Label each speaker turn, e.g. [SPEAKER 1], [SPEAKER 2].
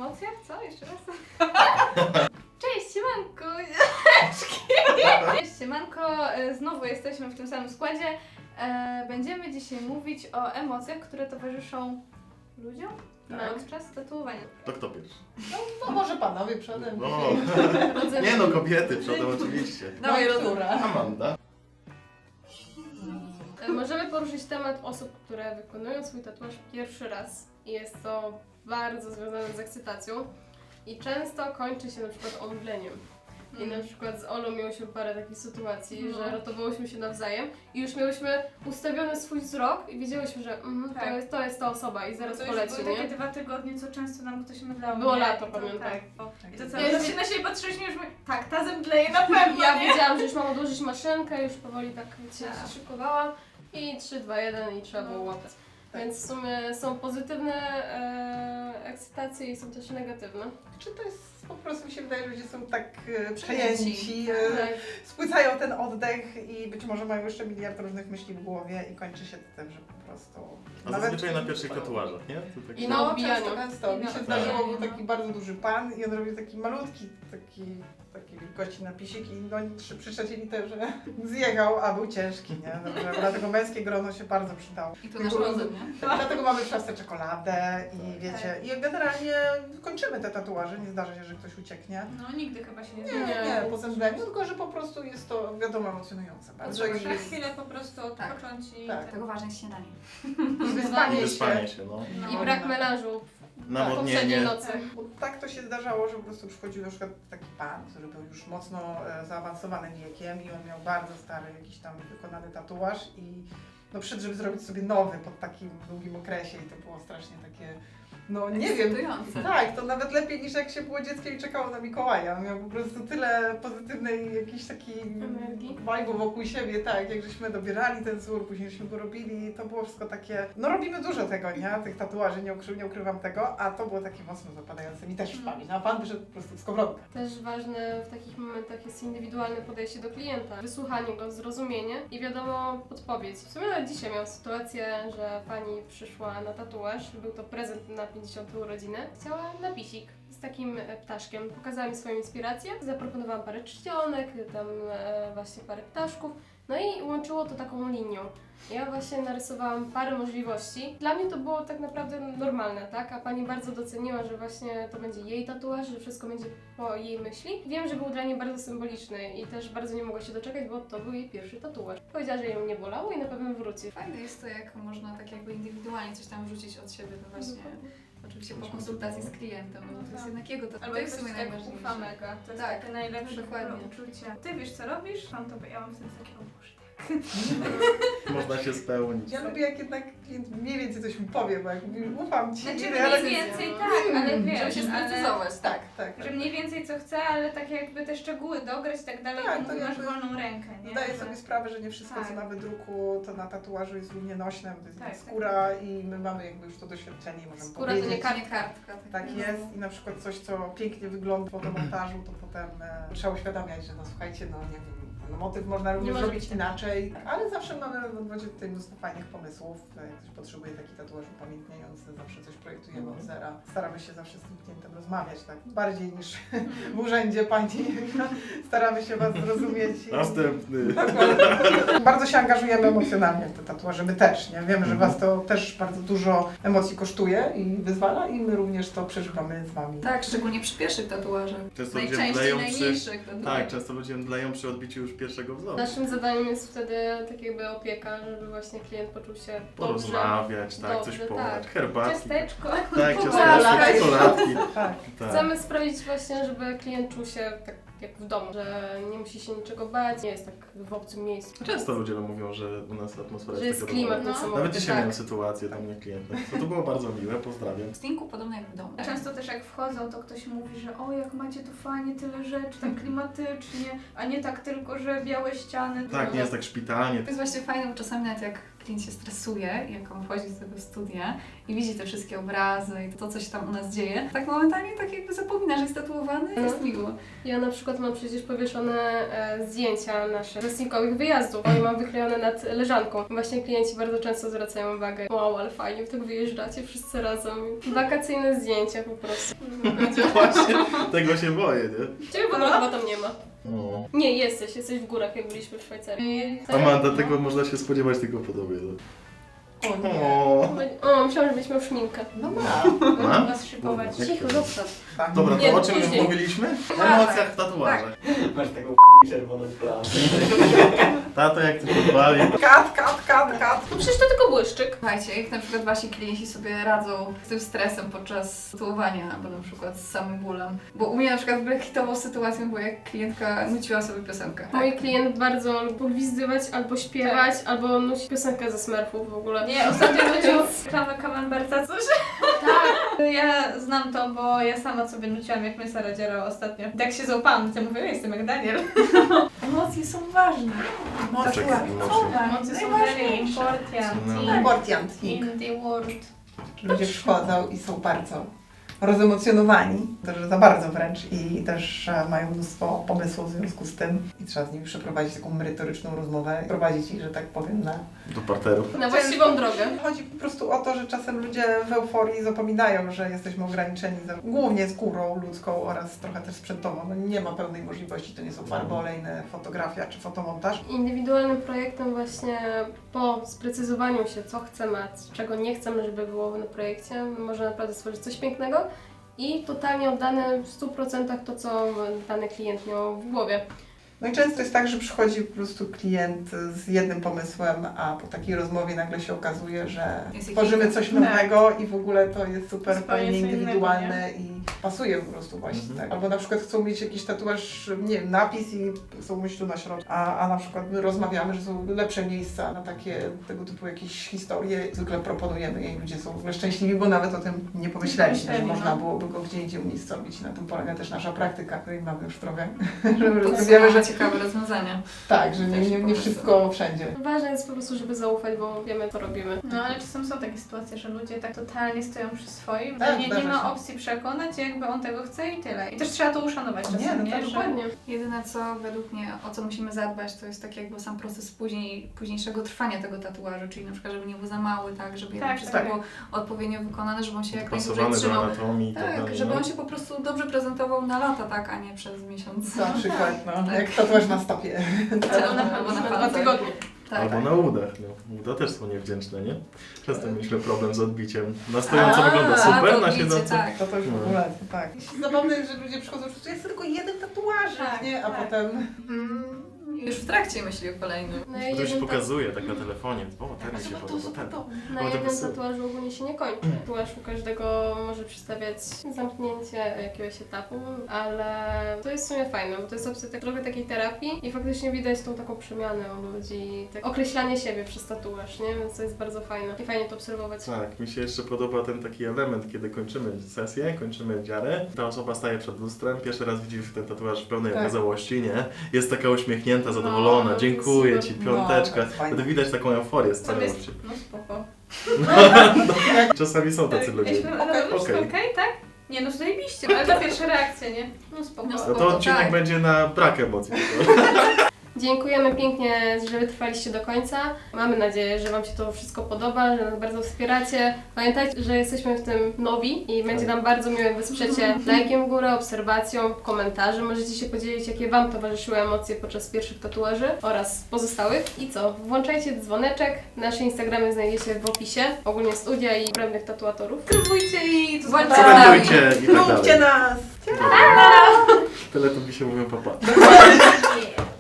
[SPEAKER 1] emocjach? Co? Jeszcze raz? Cześć, siemanko! Cześć, siemanko! Znowu jesteśmy w tym samym składzie. Będziemy dzisiaj mówić o emocjach, które towarzyszą ludziom podczas tatuowania.
[SPEAKER 2] To kto pierwszy?
[SPEAKER 3] No może panowie przodem.
[SPEAKER 2] No, nie no, kobiety przodem oczywiście.
[SPEAKER 3] Dawaj, Rotura.
[SPEAKER 2] Amanda.
[SPEAKER 1] Możemy poruszyć temat osób, które wykonują swój tatuaż pierwszy raz i jest to bardzo związane z ekscytacją i często kończy się na przykład omdleniem. I na przykład z Olą miałyśmy parę takich sytuacji, że ratowałyśmy się nawzajem i już miałyśmy ustawiony swój wzrok i wiedziałyśmy, że to jest ta osoba i zaraz poleci,
[SPEAKER 4] były takie
[SPEAKER 1] nie?
[SPEAKER 4] 2 tygodnie, co często nam ktoś mydlał.
[SPEAKER 1] Było
[SPEAKER 4] nie?
[SPEAKER 1] lato,
[SPEAKER 4] I to,
[SPEAKER 1] pamiętam.
[SPEAKER 4] Tak. I to co,
[SPEAKER 1] Ja
[SPEAKER 4] ja się na siebie patrzyliśmy już tak, ta zemdleje na pewno,
[SPEAKER 1] Ja
[SPEAKER 4] nie?
[SPEAKER 1] wiedziałam, że już mam odłożyć maszynkę, już powoli tak się szykowałam i 3, 2, 1 i trzeba było łapać. Więc w sumie są pozytywne ekscytacje i są też negatywne.
[SPEAKER 3] Czy to jest po prostu, mi się wydaje, że ludzie są tak przejęci,
[SPEAKER 1] Tak.
[SPEAKER 3] spłycają ten oddech i być może mają jeszcze miliard różnych myśli w głowie i kończy się to tym, że po prostu...
[SPEAKER 2] A zazwyczaj na pierwszych tatuażach, nie? To tak
[SPEAKER 1] I
[SPEAKER 2] się-
[SPEAKER 1] na
[SPEAKER 3] No,
[SPEAKER 1] odbijaniu.
[SPEAKER 3] często. Mi się
[SPEAKER 4] Tak.
[SPEAKER 3] zdarzyło, był taki bardzo duży pan i on robił taki malutki, takiej wielkości napisik i no, przy trzeciej literze zjechał, a był ciężki, nie? Dobrze, dlatego męskie grono się bardzo przydało.
[SPEAKER 5] I to nasz rozum, nie?
[SPEAKER 3] Dlatego mamy w szafce czekoladę i wiecie, i generalnie kończymy te tatuaże, nie zdarza się, że ktoś ucieknie.
[SPEAKER 4] No nigdy chyba się nie
[SPEAKER 3] Nie,
[SPEAKER 4] zmienia.
[SPEAKER 3] nie, po zemdleniu, tylko że po prostu jest to, wiadomo, emocjonujące bardzo.
[SPEAKER 4] Trzeba
[SPEAKER 3] I,
[SPEAKER 4] na chwilę po prostu
[SPEAKER 5] Tak.
[SPEAKER 4] odpocząć i...
[SPEAKER 3] Tak.
[SPEAKER 5] Dlatego ważne jest śniadanie.
[SPEAKER 3] i wyspanie
[SPEAKER 2] Wyspanie
[SPEAKER 3] się.
[SPEAKER 2] się, no.
[SPEAKER 1] I brak melanżu poprzedniej
[SPEAKER 2] Nawodnienie.
[SPEAKER 1] nocy.
[SPEAKER 3] Bo tak to się zdarzało, że po prostu przychodził na przykład taki pan, który był już mocno zaawansowanym wiekiem i on miał bardzo stary jakiś tam wykonany tatuaż i no przyszedł, żeby zrobić sobie nowy po takim długim okresie i to było strasznie takie, no nie wiem.
[SPEAKER 5] Ekscytujące.
[SPEAKER 3] Tak, to nawet lepiej niż jak się było dzieckiem i czekało na Mikołaja. On miał po prostu tyle pozytywnej jakiejś takiej
[SPEAKER 1] Energii.
[SPEAKER 3] vibe'u wokół siebie, tak, jak żeśmy dobierali ten wzór, później żeśmy go robili, to było wszystko takie, no robimy dużo tego, nie, tych tatuaży, nie ukrywam tego, a to było takie mocno zapadające mi też w pamięć, a pan wyszedł po prostu z kowrotka.
[SPEAKER 1] Też ważne w takich momentach jest indywidualne podejście do klienta, wysłuchanie go, zrozumienie i wiadomo podpowiedź. W sumie nawet dzisiaj miałam sytuację, że pani przyszła na tatuaż, był to prezent na 50 urodziny, chciała napisik z takim ptaszkiem. Pokazała mi swoją inspirację, zaproponowałam parę czcionek, tam właśnie parę ptaszków, no i łączyło to taką linią. Ja właśnie narysowałam parę możliwości. Dla mnie to było tak naprawdę normalne, tak? A pani bardzo doceniła, że właśnie to będzie jej tatuaż, że wszystko będzie po jej myśli. Wiem, że był dla niej bardzo symboliczny i też bardzo nie mogła się doczekać, bo to był jej pierwszy tatuaż. Powiedziała, że ją nie bolało i na pewno wróci.
[SPEAKER 5] Fajne jest to, jak można tak jakby indywidualnie coś tam wrzucić od siebie, no właśnie. Oczywiście po konsultacji z klientem, no bo to jest jednak jego, to
[SPEAKER 4] Albo
[SPEAKER 5] jest
[SPEAKER 4] jak
[SPEAKER 5] w sumie
[SPEAKER 4] ktoś tak
[SPEAKER 5] najważniejsze.
[SPEAKER 4] ufa mega, to jest
[SPEAKER 5] Tak,
[SPEAKER 4] takie najlepsze
[SPEAKER 5] dokładnie.
[SPEAKER 4] uczucie. Ty wiesz co robisz? Mam to, ja mam wtedy takie, o Boże, tak.
[SPEAKER 2] Można się spełnić.
[SPEAKER 3] Ja lubię jak jednak klient mniej więcej coś mi powie, bo jak mówi, ufam ci,
[SPEAKER 4] Znaczy
[SPEAKER 3] ale
[SPEAKER 4] mniej więcej tak, ale wiesz,
[SPEAKER 5] Żeby się sprecyzować, tak.
[SPEAKER 3] tak.
[SPEAKER 4] Że mniej więcej co chce, ale tak jakby te szczegóły dograć i tak dalej,
[SPEAKER 3] Tak,
[SPEAKER 4] to
[SPEAKER 3] to
[SPEAKER 4] mówi, masz
[SPEAKER 3] jakby
[SPEAKER 4] wolną rękę, nie?
[SPEAKER 3] Zdaję
[SPEAKER 4] Że-
[SPEAKER 3] sobie sprawę, że nie wszystko, co
[SPEAKER 4] Tak.
[SPEAKER 3] na wydruku, to na tatuażu jest równie nośne, bo to jest
[SPEAKER 4] Tak,
[SPEAKER 3] skóra i my mamy jakby już to doświadczenie i możemy
[SPEAKER 1] Skóra to nie
[SPEAKER 3] powiedzieć.
[SPEAKER 5] Kartka.
[SPEAKER 3] Tak jest i na przykład coś, co pięknie wygląda w fotomontażu, to potem trzeba uświadamiać, że no słuchajcie, no nie wiem, no, motyw można również
[SPEAKER 1] może
[SPEAKER 3] zrobić
[SPEAKER 1] być
[SPEAKER 3] inaczej, ale zawsze mamy w odwodzie tutaj mnóstwo fajnych pomysłów. Jak ktoś potrzebuje taki tatuaż upamiętniający, zawsze coś projektujemy od zera. Staramy się zawsze z tym klientem rozmawiać, tak bardziej niż w urzędzie pani. Staramy się Was zrozumieć.
[SPEAKER 2] Następny.
[SPEAKER 3] Bardzo się angażujemy emocjonalnie w te tatuaże, my też, nie? Wiemy, że Was to też bardzo dużo emocji kosztuje i wyzwala i my również to przeżywamy z Wami.
[SPEAKER 5] Tak, szczególnie przy pierwszych tatuażach.
[SPEAKER 2] Często ludzie
[SPEAKER 5] Najczęściej
[SPEAKER 2] mdleją przy...
[SPEAKER 5] najmniejszych tatuażach.
[SPEAKER 2] Tak, często ludzie mdleją przy odbiciu już pierwszego wzoru.
[SPEAKER 1] Naszym zadaniem jest wtedy tak jakby opieka, żeby właśnie klient poczuł się dobrze.
[SPEAKER 2] Porozmawiać, tak,
[SPEAKER 1] Dobrze,
[SPEAKER 2] coś podać,
[SPEAKER 1] tak.
[SPEAKER 2] herbatki.
[SPEAKER 1] Ciasteczko.
[SPEAKER 2] Tak,
[SPEAKER 1] Czekoladki.
[SPEAKER 2] ciasteczki, czekoladki.
[SPEAKER 3] Tak.
[SPEAKER 2] Tak.
[SPEAKER 1] Chcemy sprawić właśnie, żeby klient czuł się tak jak w domu, że nie musi się niczego bać, nie jest tak w obcym miejscu.
[SPEAKER 2] Często ludzie nam mówią, że u nas atmosfera
[SPEAKER 1] Że jest
[SPEAKER 2] taka
[SPEAKER 1] klimat
[SPEAKER 2] dobra.
[SPEAKER 1] niesamowity.
[SPEAKER 2] Nawet dzisiaj
[SPEAKER 1] tak.
[SPEAKER 2] miałem sytuację, tam nie klient. To było bardzo miłe, pozdrawiam.
[SPEAKER 5] W stinku podobno jak w domu.
[SPEAKER 4] Często też jak wchodzą, to ktoś mówi, że o jak macie tu fajnie, tyle rzeczy, tak klimatycznie, a nie tak tylko, że białe ściany.
[SPEAKER 2] Tak, nie jest tak szpitalnie.
[SPEAKER 5] To jest właśnie fajne, bo czasami nawet jak klient się stresuje, jak on wchodzi do tego studia i widzi te wszystkie obrazy i to, co się tam u nas dzieje, tak momentalnie tak jakby zapomina, że jest tatuowany, to jest miło.
[SPEAKER 1] Ja na przykład mam przecież powieszone zdjęcia naszych wrestlingowych wyjazdów i mam wyklejone nad leżanką. Właśnie klienci bardzo często zwracają uwagę, wow, ale fajnie, tak wyjeżdżacie wszyscy razem. Wakacyjne zdjęcia po prostu.
[SPEAKER 2] Właśnie, tego się boję, nie?
[SPEAKER 1] Ciebie w ogóle chyba tam nie ma.
[SPEAKER 2] No.
[SPEAKER 1] Nie, jesteś w górach, jak byliśmy w Szwajcarii.
[SPEAKER 2] Amanda, tego można się spodziewać tylko po tobie. No.
[SPEAKER 3] O nie.
[SPEAKER 1] O, myślałam, że byś miał szminkę.
[SPEAKER 3] No ma.
[SPEAKER 2] Ma?
[SPEAKER 4] Was szykować.
[SPEAKER 2] Jak
[SPEAKER 1] Cicho,
[SPEAKER 2] to?
[SPEAKER 1] zostaw.
[SPEAKER 3] Tak.
[SPEAKER 2] Dobra,
[SPEAKER 1] Nie,
[SPEAKER 2] to o czym już
[SPEAKER 1] później.
[SPEAKER 2] mówiliśmy? O
[SPEAKER 5] Tak.
[SPEAKER 2] emocjach w tatuażach.
[SPEAKER 6] Masz taką czerwoną plamę.
[SPEAKER 2] Tato, jak ty podpali.
[SPEAKER 3] Kat.
[SPEAKER 1] No przecież to tylko błyszczyk.
[SPEAKER 5] Słuchajcie, jak na przykład wasi klienci sobie radzą z tym stresem podczas tatuowania, albo na przykład z samym bólem. Bo u mnie na przykład hitową sytuacją była, jak klientka nuciła sobie piosenkę.
[SPEAKER 1] Mój klient bardzo lubi gwizdywać, albo śpiewać, albo nucić piosenkę ze Smurfów w ogóle.
[SPEAKER 4] Nie, ostatnio nucił reklamę Camemberta coś. Tak. Ja znam to, bo ja sama sobie nuciłam, jak my Sara dzierała ostatnio. Tak się załapałam, to mówię, ja jestem jak Daniel.
[SPEAKER 5] Emocje są ważne.
[SPEAKER 2] Czekaj,
[SPEAKER 3] Emocje.
[SPEAKER 2] emocje.
[SPEAKER 4] Emocje są very important
[SPEAKER 2] No.
[SPEAKER 3] Important.
[SPEAKER 4] in the world.
[SPEAKER 3] Ludzie przychodzą i są bardzo rozemocjonowani, też za bardzo wręcz i też mają mnóstwo pomysłów w związku z tym i trzeba z nimi przeprowadzić taką merytoryczną rozmowę, prowadzić ich, że tak powiem, na...
[SPEAKER 2] Do parteru.
[SPEAKER 1] Na właściwą drogę.
[SPEAKER 3] Chodzi po prostu o to, że czasem ludzie w euforii zapominają, że jesteśmy ograniczeni głównie skórą ludzką oraz trochę też sprzętowo. No nie ma pełnej możliwości, to nie są farby olejne, fotografia czy fotomontaż.
[SPEAKER 1] Indywidualnym projektem właśnie po sprecyzowaniu się, co chcemy, a czego nie chcemy, żeby było na projekcie, można naprawdę stworzyć coś pięknego i totalnie oddane w 100% to, co dany klient miał w głowie.
[SPEAKER 3] No i często jest tak, że przychodzi po prostu klient z jednym pomysłem, a po takiej rozmowie nagle się okazuje, że
[SPEAKER 5] Jest
[SPEAKER 3] tworzymy
[SPEAKER 5] jakiś-
[SPEAKER 3] coś nowego i w ogóle to jest super
[SPEAKER 4] Zupełnie
[SPEAKER 3] fajnie
[SPEAKER 4] co innego,
[SPEAKER 3] indywidualne i pasuje po prostu właśnie
[SPEAKER 2] Mhm.
[SPEAKER 3] tak. Albo na przykład chcą mieć jakiś tatuaż, nie wiem, napis i chcą mieć tu na środku, a na przykład my rozmawiamy, że są lepsze miejsca na takie tego typu jakieś historie. Zwykle proponujemy je i ludzie są w ogóle szczęśliwi, bo nawet o tym nie pomyśleli, że
[SPEAKER 4] Pomyśleli,
[SPEAKER 3] można
[SPEAKER 4] no.
[SPEAKER 3] byłoby go gdzie indziej umiejscowić. Na tym polega też nasza praktyka, której mamy już trochę, że rozumiemy, że
[SPEAKER 5] ciekawe rozwiązania.
[SPEAKER 3] tak, że nie wszystko wszędzie.
[SPEAKER 1] Ważne jest po prostu, żeby zaufać, bo wiemy, co robimy.
[SPEAKER 4] No ale czasem są takie sytuacje, że ludzie tak totalnie stoją przy swoim,
[SPEAKER 3] Tak,
[SPEAKER 4] że nie
[SPEAKER 3] zdarza
[SPEAKER 4] ma
[SPEAKER 3] się.
[SPEAKER 4] opcji przekonać, jakby on tego chce i tyle. I też trzeba to uszanować czasem,
[SPEAKER 3] Nie, no
[SPEAKER 4] nie?
[SPEAKER 3] tak,
[SPEAKER 4] Że...
[SPEAKER 1] Dokładnie.
[SPEAKER 5] Jedyne co według mnie, o co musimy zadbać, to jest tak jakby sam proces późniejszego trwania tego tatuażu, czyli na przykład, żeby nie był za mały, tak, żeby
[SPEAKER 4] Tak,
[SPEAKER 5] wszystko
[SPEAKER 3] tak.
[SPEAKER 5] było odpowiednio wykonane, żeby on się jak najdłużej
[SPEAKER 2] Pasowany do
[SPEAKER 5] trzymał.
[SPEAKER 2] anatomii i tak
[SPEAKER 5] Tak,
[SPEAKER 2] dalej.
[SPEAKER 5] żeby
[SPEAKER 2] no.
[SPEAKER 5] on się po prostu dobrze prezentował na lata, tak, a nie przez miesiąc.
[SPEAKER 3] Na przykład, no,
[SPEAKER 5] Tak.
[SPEAKER 3] jak tatuaż na stopie.
[SPEAKER 5] Albo na
[SPEAKER 1] Na 2
[SPEAKER 5] palcach.
[SPEAKER 1] tygodnie.
[SPEAKER 5] Tak.
[SPEAKER 2] Albo na udach. No. Uda też są niewdzięczne, nie? Często mieliśmy problem z odbiciem. Na stojąco wygląda
[SPEAKER 5] to
[SPEAKER 2] super, na
[SPEAKER 5] odbicie,
[SPEAKER 2] siedząco...
[SPEAKER 5] tak.
[SPEAKER 3] To już w
[SPEAKER 2] No.
[SPEAKER 3] ogóle, to tak. Zabawne jest, że ludzie przychodzą, że jest tylko jeden tatuaż,
[SPEAKER 4] Tak,
[SPEAKER 3] nie? A
[SPEAKER 4] tak.
[SPEAKER 3] potem...
[SPEAKER 5] Już w trakcie myśli o kolejnym.
[SPEAKER 1] Na
[SPEAKER 2] Ktoś
[SPEAKER 1] jednym,
[SPEAKER 2] pokazuje tak na telefonie. O, ten mi się podoba, ten.
[SPEAKER 1] na
[SPEAKER 2] O, to
[SPEAKER 1] jednym
[SPEAKER 2] pasuje.
[SPEAKER 1] tatuażu ogólnie się nie kończy. Tatuaż u każdego może przedstawiać zamknięcie jakiegoś etapu, ale to jest w sumie fajne, bo to jest opcja trochę takiej terapii i faktycznie widać tą taką przemianę u ludzi, tak określanie siebie przez tatuaż, nie? Więc to jest bardzo fajne i fajnie to obserwować.
[SPEAKER 2] Tak, mi się jeszcze podoba ten taki element, kiedy kończymy sesję, kończymy dziarę. Ta osoba staje przed lustrem, pierwszy raz widzi już ten tatuaż w pełnej
[SPEAKER 3] Tak.
[SPEAKER 2] okazałości, nie? Jest taka uśmiechnięta, zadowolona,
[SPEAKER 1] No,
[SPEAKER 2] dziękuję
[SPEAKER 1] super.
[SPEAKER 2] Ci,
[SPEAKER 3] No,
[SPEAKER 2] piąteczka.
[SPEAKER 3] to jest fajne.
[SPEAKER 2] Wtedy widać taką euforię z
[SPEAKER 4] Tam
[SPEAKER 2] całej
[SPEAKER 4] jest,
[SPEAKER 2] oczy.
[SPEAKER 4] no spoko.
[SPEAKER 2] Czasami są tacy
[SPEAKER 4] Tak,
[SPEAKER 2] ludzie.
[SPEAKER 4] Wszystko
[SPEAKER 2] Okej.
[SPEAKER 4] okej, tak? Nie no, zajebiście, ale to pierwsza reakcja, nie? No spoko.
[SPEAKER 5] No
[SPEAKER 2] No to odcinek
[SPEAKER 5] tak.
[SPEAKER 2] będzie na brak emocji.
[SPEAKER 1] Dziękujemy pięknie, że wytrwaliście do końca. Mamy nadzieję, że Wam się to wszystko podoba, że nas bardzo wspieracie. Pamiętajcie, że jesteśmy w tym nowi i będzie nam bardzo miło, jak wesprzecie lajkiem w górę, obserwacją, komentarzem. Możecie się podzielić, jakie Wam towarzyszyły emocje podczas pierwszych tatuaży oraz pozostałych. I co? Włączajcie dzwoneczek. Nasze Instagramy znajdziecie w opisie. Ogólnie studia i obrębnych tatuatorów.
[SPEAKER 4] Subskrybujcie i to
[SPEAKER 5] Bądźcie
[SPEAKER 4] zobaczymy.
[SPEAKER 2] Komentujcie i tak
[SPEAKER 3] Róbcie
[SPEAKER 2] dalej.
[SPEAKER 3] nas!
[SPEAKER 2] Tyle to mi się mówią papa.
[SPEAKER 4] Yeah.